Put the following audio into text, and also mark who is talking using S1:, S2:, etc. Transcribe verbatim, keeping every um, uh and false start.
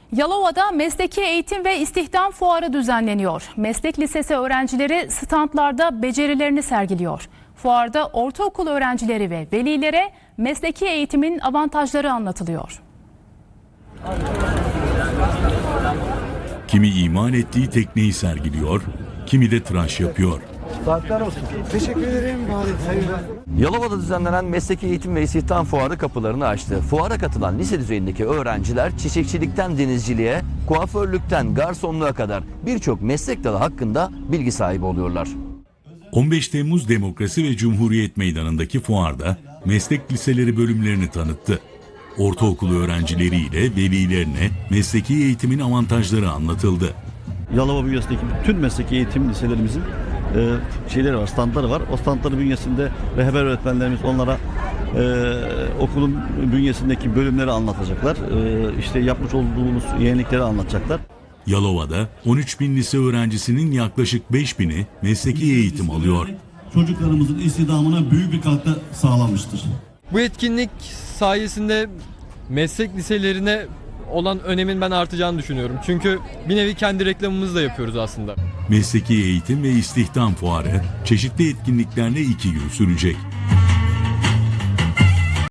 S1: Yalova'da mesleki eğitim ve istihdam fuarı düzenleniyor. Meslek lisesi öğrencileri standlarda becerilerini sergiliyor. Fuarda ortaokul öğrencileri ve velilere mesleki eğitimin avantajları anlatılıyor.
S2: Kimi imal ettiği tekneyi sergiliyor, kimi de tıraş yapıyor.
S3: Saatler olsun. Teşekkür ederim.
S4: Yalova'da düzenlenen Mesleki Eğitim ve İstihdam Fuarı kapılarını açtı. Fuara katılan lise düzeyindeki öğrenciler çiçekçilikten denizciliğe, kuaförlükten garsonluğa kadar birçok meslek dalı hakkında bilgi sahibi oluyorlar.
S2: on beş Temmuz Demokrasi ve Cumhuriyet Meydanı'ndaki fuarda meslek liseleri bölümlerini tanıttı. Ortaokul öğrencileriyle velilerine mesleki eğitimin avantajları anlatıldı.
S5: Yalova bünyesindeki bütün mesleki eğitim liselerimizin e, şeyleri var, standları var. O standları bünyesinde rehber öğretmenlerimiz onlara e, okulun bünyesindeki bölümleri anlatacaklar. E, işte yapmış olduğumuz yenilikleri anlatacaklar.
S2: Yalova'da on üç bin lise öğrencisinin yaklaşık beş bini mesleki eğitim alıyor.
S6: Çocuklarımızın istihdamına büyük bir katkı sağlamıştır.
S7: Bu etkinlik sayesinde meslek liselerine olan önemin ben artacağını düşünüyorum. Çünkü bir nevi kendi reklamımızı da yapıyoruz aslında.
S2: Mesleki Eğitim ve İstihdam Fuarı çeşitli etkinliklerle iki gün sürecek.